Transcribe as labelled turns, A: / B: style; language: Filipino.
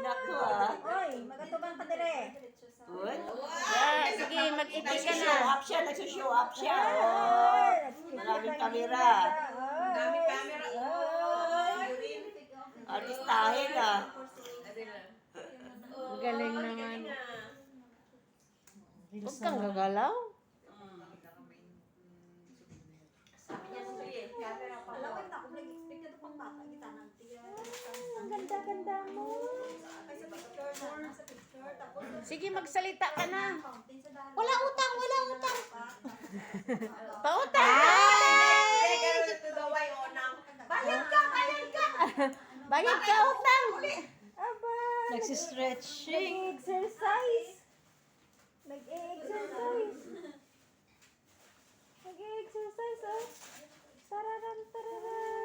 A: Nako ah.
B: Oy, magatubang ka dire.
A: Uy.
C: Yeah, sige, mag-iti ka
A: Nagsushow
C: na.
A: up siya, nagsushow up siya. Oh. Maraming kamera.
B: Daming camera.
A: Artistahin ah.
C: Ang galing naman. Huwag kang gagalaw.
B: Alawin na ako nag-expect na pang bata kita nang tiya. Ang ganda-ganda mo. Ay sa picture na, sa picture tapos
C: Sige, magsalita ka na.
B: fountain sa daan.
C: Wala utang, wala utang.
B: Pautang.
C: Pautang!
B: Bayad ka, bayad ka.
C: Bayad ka utang.
B: Aba.
C: Nagsistretching.
B: Nag-exercise. Nag-exercise. Nag-exercise, oh. Tararan, tararan.